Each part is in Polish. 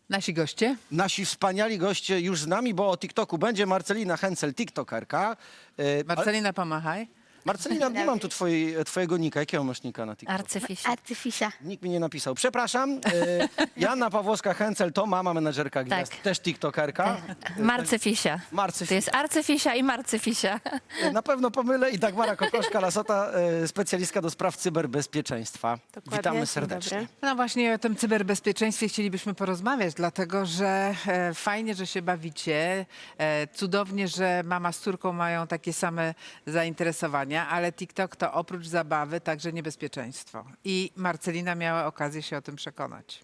Nasi goście? Nasi wspaniali goście już z nami, bo o TikToku będzie Marcelina Hencel, TikTokerka. Marcelina, pomachaj. Marcelina, nie mam tu twojego nika. Jakiego masz nika na TikToku? Arcyfisia. Nikt mi nie napisał. Przepraszam. Joanna Pawłowska-Hencel to mama menedżerka gwiazd, Tak. też TikTokerka. Marcyfisia. To jest arcyfisia i marcyfisia. Na pewno pomylę i Dagmara Kokoszka-Lasota, specjalistka do spraw cyberbezpieczeństwa. Dokładnie. Witamy Dzień serdecznie. dobry. No właśnie o tym cyberbezpieczeństwie chcielibyśmy porozmawiać, dlatego że fajnie, że się bawicie, cudownie, że mama z córką mają takie same zainteresowania, ale TikTok to oprócz zabawy także niebezpieczeństwo. I Marcelina miała okazję się o tym przekonać.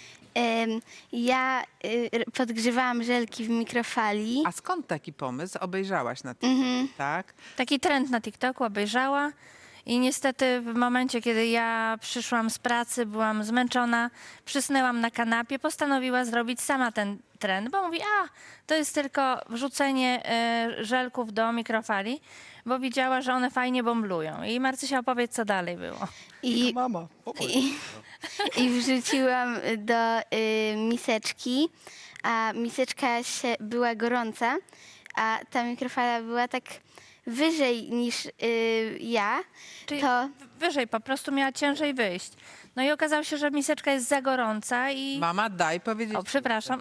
Ja podgrzewałam żelki w mikrofali. A skąd taki pomysł? Obejrzałaś na TikTok, tak? Taki trend na TikToku obejrzała i niestety w momencie, kiedy ja przyszłam z pracy, byłam zmęczona, przysnęłam na kanapie, postanowiła zrobić sama ten trend, bo mówi, to jest tylko wrzucenie żelków do mikrofali, bo widziała, że one fajnie bomblują. I Marcysia, opowiedz, co dalej było. I, Mama, i wrzuciłam do miseczki, a miseczka była gorąca, a ta mikrofala była tak wyżej niż ja. Czyli To wyżej, po prostu miała ciężej wyjść. No i okazało się, że miseczka jest za gorąca i... Mama, daj powiedzieć. O, przepraszam.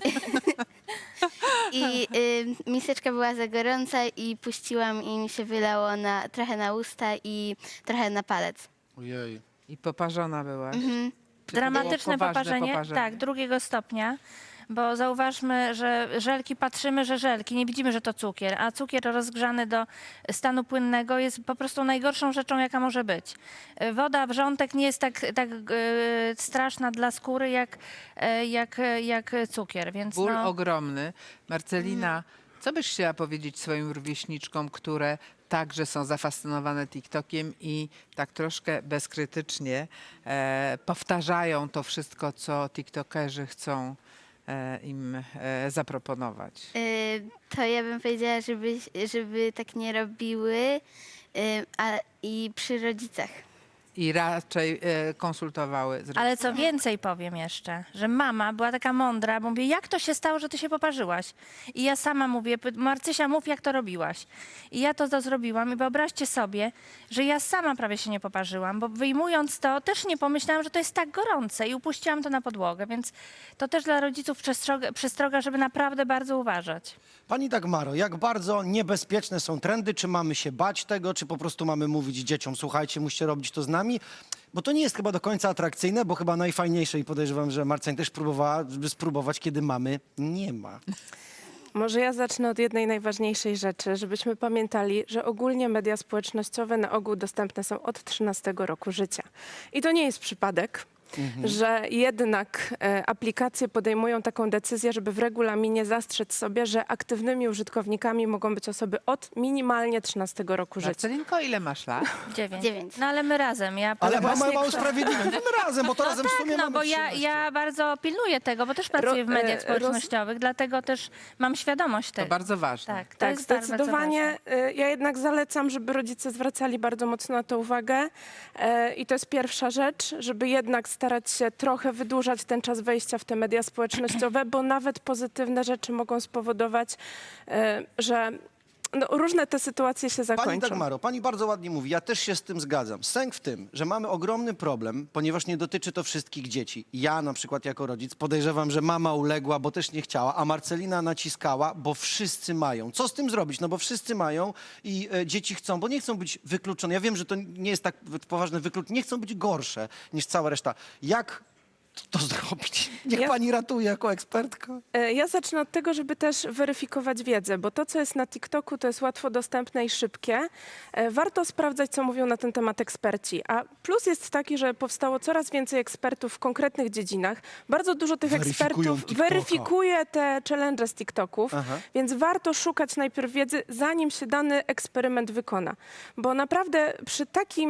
i miseczka była za gorąca i puściłam i mi się wylało trochę na usta i trochę na palec. Ojej. I poparzona byłaś. Czy to Dramatyczne było poparzenie, tak, drugiego stopnia, bo zauważmy, że żelki, patrzymy, że żelki, nie widzimy, że to cukier, a cukier rozgrzany do stanu płynnego jest po prostu najgorszą rzeczą, jaka może być. Woda, wrzątek nie jest tak straszna dla skóry jak cukier, więc Ból no, ogromny. Marcelina, co byś chciała powiedzieć swoim rówieśniczkom, które także są zafascynowane TikTokiem i tak troszkę bezkrytycznie powtarzają to wszystko, co TikTokerzy chcą im zaproponować? To ja bym powiedziała, żeby tak nie robiły i przy rodzicach. I raczej konsultowały z ale rodzicami. co więcej powiem jeszcze, że mama była taka mądra, bo mówię, jak to się stało, że ty się poparzyłaś? I ja sama mówię, Marcysia, mów, jak to robiłaś. I ja to zrobiłam i wyobraźcie sobie, że ja sama prawie się nie poparzyłam, bo wyjmując to też nie pomyślałam, że to jest tak gorące i upuściłam to na podłogę, więc to też dla rodziców przestroga, żeby naprawdę bardzo uważać. Pani Dagmaro, jak bardzo niebezpieczne są trendy? Czy mamy się bać tego, czy po prostu mamy mówić dzieciom, słuchajcie, musicie robić to z nami? Bo to nie jest chyba do końca atrakcyjne, bo chyba najfajniejsze i podejrzewam, że Marcin też próbowała, żeby spróbować, kiedy mamy nie ma. Może ja zacznę od jednej najważniejszej rzeczy, żebyśmy pamiętali, że ogólnie media społecznościowe na ogół dostępne są od 13 roku życia. I to nie jest przypadek, że jednak aplikacje podejmują taką decyzję, żeby w regulaminie zastrzec sobie, że aktywnymi użytkownikami mogą być osoby od minimalnie 13 roku życia. Marcelinko, ile masz lat? 9. No ale my razem. Ale mama właśnie ma usprawiedliwione. My razem, bo to razem w sumie No mamy bo 13. ja bardzo pilnuję tego, bo też pracuję w mediach roz- społecznościowych, dlatego też mam świadomość To tego. bardzo ważne. Tak, to Tak, jest bardzo zdecydowanie. ważne. Ja jednak zalecam, żeby rodzice zwracali bardzo mocno na to uwagę. I to jest pierwsza rzecz, żeby jednak starać się trochę wydłużać ten czas wejścia w te media społecznościowe, bo nawet pozytywne rzeczy mogą spowodować, że różne te sytuacje się Pani zakończą. Dagmaro, pani bardzo ładnie mówi, ja też się z tym zgadzam. Sęk w tym, że mamy ogromny problem, ponieważ nie dotyczy to wszystkich dzieci. Ja na przykład jako rodzic podejrzewam, że mama uległa, bo też nie chciała, a Marcelina naciskała, bo wszyscy mają. Co z tym zrobić? No bo wszyscy mają i dzieci chcą, bo nie chcą być wykluczone. Ja wiem, że to nie jest tak poważne wykluczenie, nie chcą być gorsze niż cała reszta. Jak to zrobić? Niech Ja- pani ratuje jako ekspertka. Ja zacznę od tego, żeby też weryfikować wiedzę, bo to, co jest na TikToku, to jest łatwo dostępne i szybkie. Warto sprawdzać, co mówią na ten temat eksperci. A plus jest taki, że powstało coraz więcej ekspertów w konkretnych dziedzinach. Bardzo dużo tych Weryfikują ekspertów TikToka. weryfikuje te challenge z TikToków, Aha. więc warto szukać najpierw wiedzy, zanim się dany eksperyment wykona. Bo naprawdę przy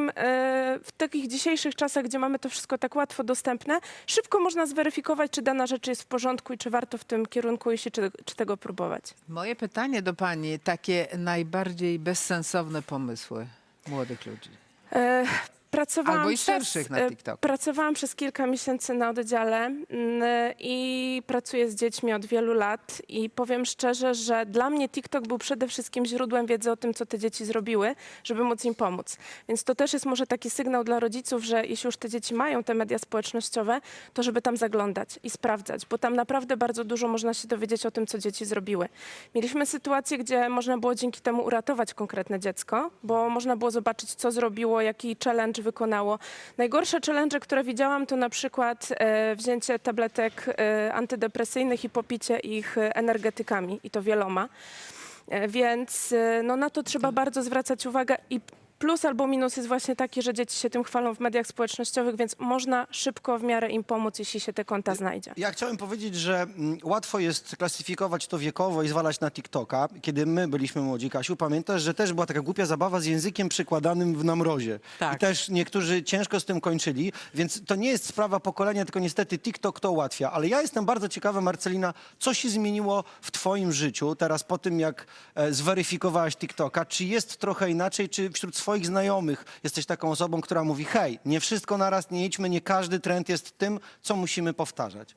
w takich dzisiejszych czasach, gdzie mamy to wszystko tak łatwo dostępne, szybko można zweryfikować, czy dana rzecz jest w porządku i czy warto w tym kierunku iść, czy tego próbować. Moje pytanie do pani, takie najbardziej bezsensowne pomysły młodych ludzi. Pracowałam Albo i starszych na TikToku. Pracowałam przez kilka miesięcy na oddziale i pracuję z dziećmi od wielu lat i powiem szczerze, że dla mnie TikTok był przede wszystkim źródłem wiedzy o tym, co te dzieci zrobiły, żeby móc im pomóc. Więc to też jest może taki sygnał dla rodziców, że jeśli już te dzieci mają te media społecznościowe, to żeby tam zaglądać i sprawdzać, bo tam naprawdę bardzo dużo można się dowiedzieć o tym, co dzieci zrobiły. Mieliśmy sytuację, gdzie można było dzięki temu uratować konkretne dziecko, bo można było zobaczyć, co zrobiło, jaki challenge wykonało. Najgorsze challenge, które widziałam, to na przykład wzięcie tabletek antydepresyjnych i popicie ich energetykami, i to wieloma. Więc no, na to trzeba bardzo zwracać uwagę i plus albo minus jest właśnie taki, że dzieci się tym chwalą w mediach społecznościowych, więc można szybko w miarę im pomóc, jeśli się te konta znajdzie. Ja chciałem powiedzieć, że łatwo jest klasyfikować to wiekowo i zwalać na TikToka. Kiedy my byliśmy młodzi, Kasiu, pamiętasz, że też była taka głupia zabawa z językiem przykładanym w namrozie. Tak. I też niektórzy ciężko z tym kończyli, więc to nie jest sprawa pokolenia, tylko niestety TikTok to ułatwia. Ale ja jestem bardzo ciekawa, Marcelina, co się zmieniło w twoim życiu teraz po tym, jak zweryfikowałaś TikToka? Czy jest trochę inaczej, czy wśród swoich znajomych jesteś taką osobą, która mówi, hej, nie wszystko naraz, nie idźmy, nie każdy trend jest tym, co musimy powtarzać?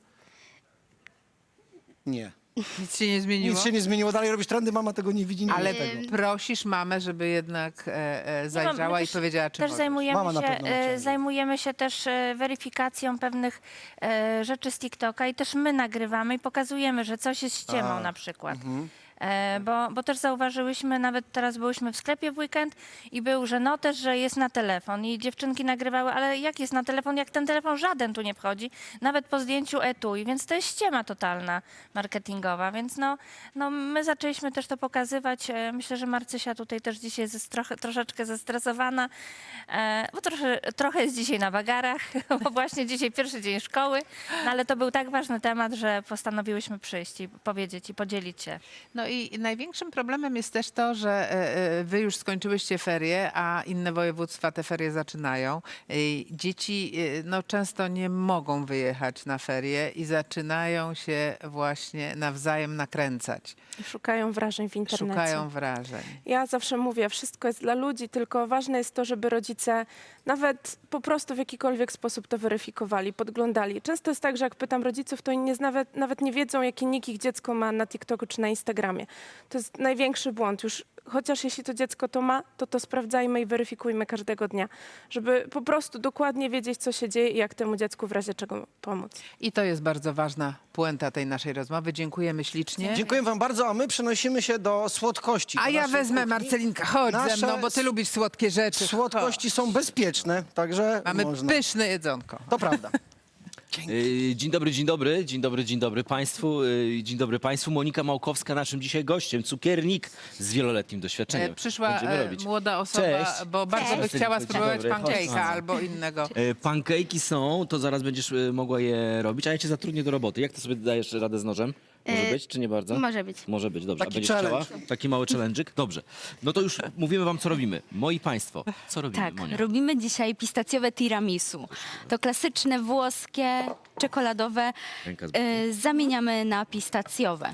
Nie. Nic się nie zmieniło? Nic się nie zmieniło, dalej robisz trendy, mama tego nie widzi, nie Ale wie tego. prosisz mamę, żeby jednak zajrzała i powiedziała, czy też możesz. Mama na pewno ciągle. zajmujemy się też weryfikacją pewnych rzeczy z TikToka i też my nagrywamy i pokazujemy, że coś jest ściemą na przykład. Bo też zauważyłyśmy, nawet teraz byłyśmy w sklepie w weekend i był, że no też, że jest na telefon i dziewczynki nagrywały, ale jak jest na telefon, jak ten telefon żaden tu nie wchodzi, nawet po zdjęciu etui, więc to jest ściema totalna marketingowa, więc no my zaczęliśmy też to pokazywać. Myślę, że Marcysia tutaj też dzisiaj jest troszeczkę zestresowana, bo trochę jest dzisiaj na wagarach, bo właśnie dzisiaj pierwszy dzień szkoły, no ale to był tak ważny temat, że postanowiłyśmy przyjść i powiedzieć i podzielić się. No i największym problemem jest też to, że wy już skończyłyście ferie, a inne województwa te ferie zaczynają. Dzieci no, często nie mogą wyjechać na ferie i zaczynają się właśnie nawzajem nakręcać. Szukają wrażeń w internecie. Szukają wrażeń. Ja zawsze mówię, wszystko jest dla ludzi, tylko ważne jest to, żeby rodzice nawet po prostu w jakikolwiek sposób to weryfikowali, podglądali. Często jest tak, że jak pytam rodziców, to oni nawet nie wiedzą, jaki nick ich dziecko ma na TikToku czy na Instagramie. To jest największy błąd. Już chociaż jeśli to dziecko to ma, to sprawdzajmy i weryfikujmy każdego dnia, żeby po prostu dokładnie wiedzieć, co się dzieje i jak temu dziecku w razie czego pomóc. I to jest bardzo ważna puenta tej naszej rozmowy. Dziękujemy ślicznie. Dziękuję wam bardzo, a my przenosimy się do słodkości. A do ja naszej wezmę, kuchni. Marcelinka, chodź ze Nasze mną, bo ty lubisz słodkie rzeczy. Słodkości są bezpieczne, także Mamy można. pyszne jedzonko. To prawda. Dzień dobry Państwu. Dzień dobry Państwu. Monika Małkowska, naszym dzisiaj gościem, cukiernik z wieloletnim doświadczeniem. Przyszła Będziemy robić. młoda osoba, Cześć. bo bardzo by Cześć. chciała Dzień spróbować dobry. pancake'a Chodź. albo innego. Pancake'i są, to zaraz będziesz mogła je robić, a ja cię zatrudnię do roboty. Jak ty sobie dajesz radę z nożem? Może być, czy nie bardzo? Może być. Może być, dobrze. Taki a będziesz challenge. chciała? Taki mały challenge'ik? Dobrze. No to już mówimy wam, co robimy. Moi Państwo, co robimy, Tak, Monia? robimy dzisiaj pistacjowe tiramisu. To klasyczne włoskie, czekoladowe, Ręka z zamieniamy na pistacjowe.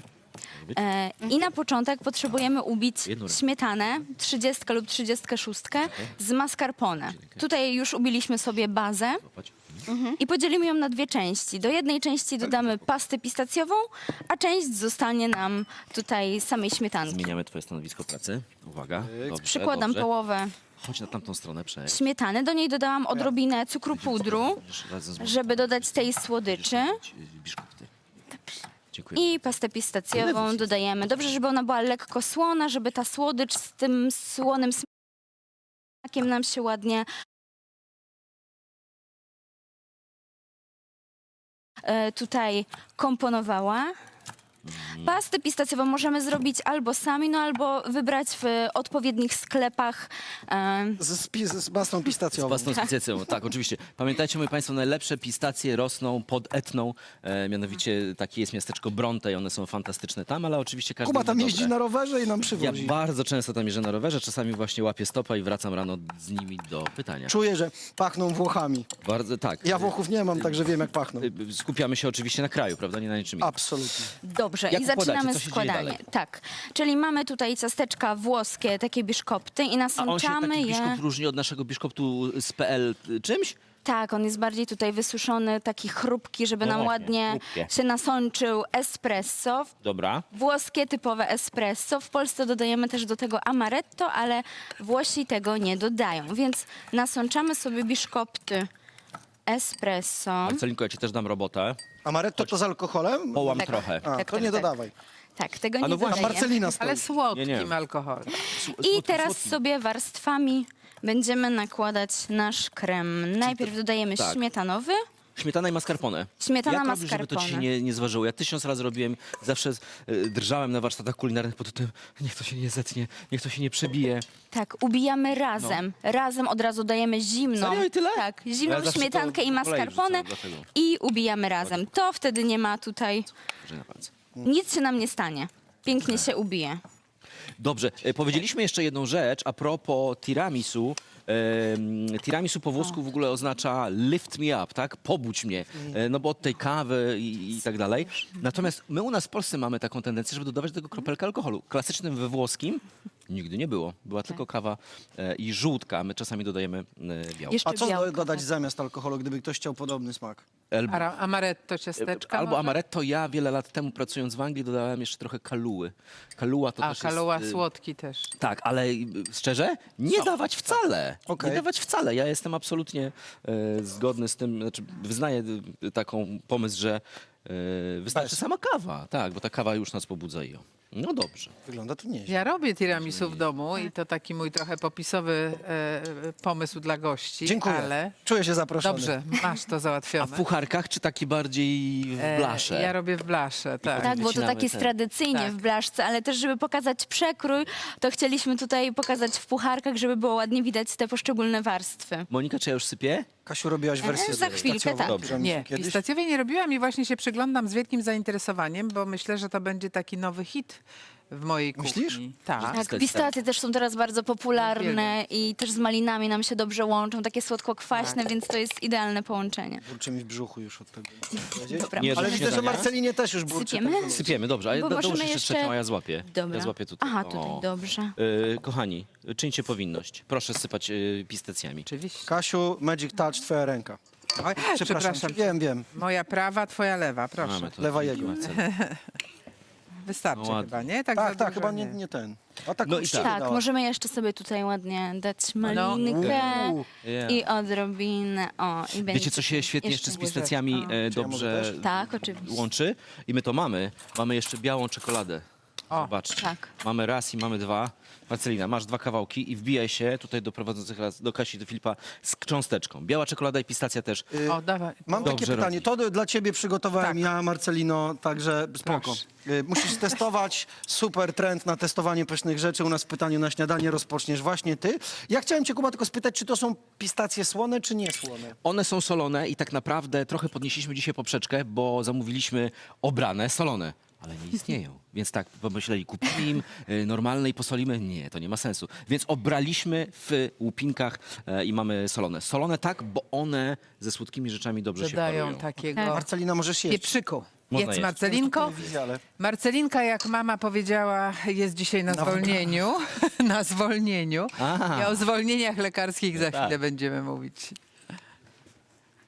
I na początek potrzebujemy ubić Jedną ręką. śmietanę 30 lub 36 z mascarpone. Tutaj już ubiliśmy sobie bazę Złapać. i podzielimy ją na dwie części. Do jednej części dodamy pastę pistacjową, a część zostanie nam tutaj samej śmietanki. Zmieniamy twoje stanowisko pracy. Uwaga. Dobrze, Przykładam dobrze. połowę Chodź na tamtą stronę, przejdź. śmietany, do niej dodałam odrobinę cukru pudru, Będziesz razem z żeby dodać tej słodyczy. Biszkopty. Dziękuję. I pastę pistacjową dodajemy. Dobrze, żeby ona była lekko słona, żeby ta słodycz z tym słonym smakiem nam się ładnie tutaj komponowała. Pastę pistacjową możemy zrobić albo sami, no albo wybrać w odpowiednich sklepach. Z pastą Z pistacjową. pastą spicjacją, tak, oczywiście. Pamiętajcie, moi Państwo, najlepsze pistacje rosną pod Etną. Mianowicie takie jest miasteczko Bronte i one są fantastyczne tam, ale oczywiście każdy Kuba tam inny jeździ dobre. na rowerze i nam Ja przywozi. bardzo często tam jeżdżę na rowerze, czasami właśnie łapię stopa i wracam rano z nimi do pytania. Czuję, że pachną Włochami. Bardzo, tak. Ja Włochów nie mam, także wiem, jak pachną. Skupiamy się oczywiście na kraju, prawda, nie na niczym innym. Absolutnie. Dobrze. Dobrze, Jak i układacie? zaczynamy Co się dzieje składanie. dalej? Tak, czyli mamy tutaj ciasteczka włoskie, takie biszkopty i A on się nasączamy taki je. biszkopt różni od naszego biszkoptu z PL czymś? Tak, on jest bardziej tutaj wysuszony, taki chrupki, żeby No nam właśnie, ładnie chrupkie. się nasączył espresso. Dobra. Włoskie typowe espresso. W Polsce dodajemy też do tego amaretto, ale Włosi tego nie dodają. Więc nasączamy sobie biszkopty espresso. Marcelinko, ja ci też dam robotę. Amaretto to z alkoholem? Połam Tak. trochę. A, Tak, to tak, nie tak. dodawaj. Tak, tego A nie no właśnie. A dodajemy. Marcelina stoi. Ale słodkim Nie. alkoholem. I teraz sobie warstwami będziemy nakładać nasz krem. Najpierw dodajemy tak. śmietanowy. Śmietana i mascarpone. Śmietana, Jak robisz, żeby to ci się mascarpone. nie zważyło? Ja 1000 razy robiłem, zawsze drżałem na warsztatach kulinarnych pod tym, niech to się nie zetnie, niech to się nie przebije. Tak, ubijamy razem. Razem od razu dajemy zimną. Serio i tyle? Tak, Ja zimną zawsze śmietankę to i po kolei mascarpone wrzucam, dlatego. i ubijamy razem. To wtedy nie ma tutaj, Że na palce. nic się nam nie stanie. Pięknie się ubije. Dobrze, powiedzieliśmy jeszcze jedną rzecz a propos tiramisu. Tiramisu po włosku w ogóle oznacza lift me up, tak? Pobudź mnie. No bo od tej kawy i tak dalej. Natomiast my u nas w Polsce mamy taką tendencję, żeby dodawać do tego kropelkę alkoholu. Klasycznym we włoskim nigdy nie było. Była tylko kawa i żółtka, a my czasami dodajemy białko. Jeszcze A co białko. dodać zamiast alkoholu, gdyby ktoś chciał podobny smak? Amaretto, ciasteczka. Albo może? amaretto. Ja wiele lat temu pracując w Anglii dodałem jeszcze trochę kaluły. Kaluła to A, też kaluła jest... słodki też. Tak, ale szczerze, nie dawać wcale. Okej. Nie dawać wcale. Ja jestem absolutnie zgodny z tym, znaczy wyznaję taką pomysł, że wystarczy Bez. sama kawa. Tak, bo ta kawa już nas pobudza i no dobrze. Wygląda to nieźle. Ja robię tiramisu w domu i to taki mój trochę popisowy pomysł dla gości. Dziękuję. Ale Czuję się zaproszony. dobrze, masz to A załatwione. w pucharkach czy takie bardziej w blasze? Ja robię w blasze, tak. Tak, bo to wycinamy tak jest ten- tradycyjnie Tak. w blaszce, ale też żeby pokazać przekrój, to chcieliśmy tutaj pokazać w pucharkach, żeby było ładnie widać te poszczególne warstwy. Monika, czy ja już sypię? Kasiu, robiłaś wersję za chwilkę, pistacjową tak. Dobrze. tiramisu Nie, kiedyś? pistacjowej nie robiłam i właśnie się przyglądam z wielkim zainteresowaniem, bo myślę, że to będzie taki nowy hit w mojej kuchni. Myślisz? Tak. Tak, Pistacje. pistacje też są teraz bardzo popularne Uwielbiam. i też z malinami nam się dobrze łączą, takie słodko-kwaśne, więc to jest idealne połączenie. Burczy mi w brzuchu już od tego. Dobra, Nie, Ale do widzę, że śniadania? Marcelinie też już burczy. Sypiemy? tak, że- Sypiemy, dobrze. A Bo dołóż możemy jeszcze jeszcze- trzecią, a ja złapię. Dobra. Ja złapię tutaj. Aha, tutaj, O. dobrze. Kochani, czyńcie powinność. Proszę sypać pistacjami. Oczywiście. Kasiu, Magic Touch, twoja ręka. Oj, przepraszam. Wiem, wiem. Moja prawa, twoja lewa, proszę. Mamy to. Lewa jego. Wystarczy No ładnie. chyba, nie? Tak, za Tak, tak, dużo chyba nie ten. A tak No i uczciwie Tak, dała. możemy jeszcze sobie tutaj ładnie dać malinkę Uuu. Yeah. i odrobinę. O, i będzie. Wiecie, co się świetnie jeszcze z łyżeczka. pistacjami Czy ja mogę dobrze też? Tak, oczywiście. łączy? I my to mamy. Mamy jeszcze białą czekoladę. O, Zobaczcie. tak. Mamy raz i mamy dwa. Marcelina, masz 2 kawałki i wbijaj się tutaj do prowadzących raz, do Kasi, do Filipa z cząsteczką. Biała czekolada i pistacja też. o, dawaj. Mam Dobrze takie pytanie. robi. To dla ciebie przygotowałem Tak. ja, Marcelino, także spoko. Proszę. Musisz testować. Super trend na testowanie pysznych rzeczy. U nas w pytaniu na śniadanie rozpoczniesz właśnie ty. Ja chciałem cię, Kuba, tylko spytać, czy to są pistacje słone, czy nie słone? One są solone i tak naprawdę trochę podnieśliśmy dzisiaj poprzeczkę, bo zamówiliśmy obrane solone. Ale nie istnieją. Więc tak, pomyśleli, kupimy im normalne i posolimy? Nie, to nie ma sensu. Więc obraliśmy w łupinkach i mamy solone. Solone tak, bo one ze słodkimi rzeczami dobrze się Dodają parują. takiego Marcelina, możesz jeść. pieprzyku. Można Jedz, jeść. Marcelinko. Telewizja, ale- Marcelinka, jak mama powiedziała, jest dzisiaj na zwolnieniu. Na zwolnieniu. Aha. I o zwolnieniach lekarskich za tak. chwilę będziemy mówić.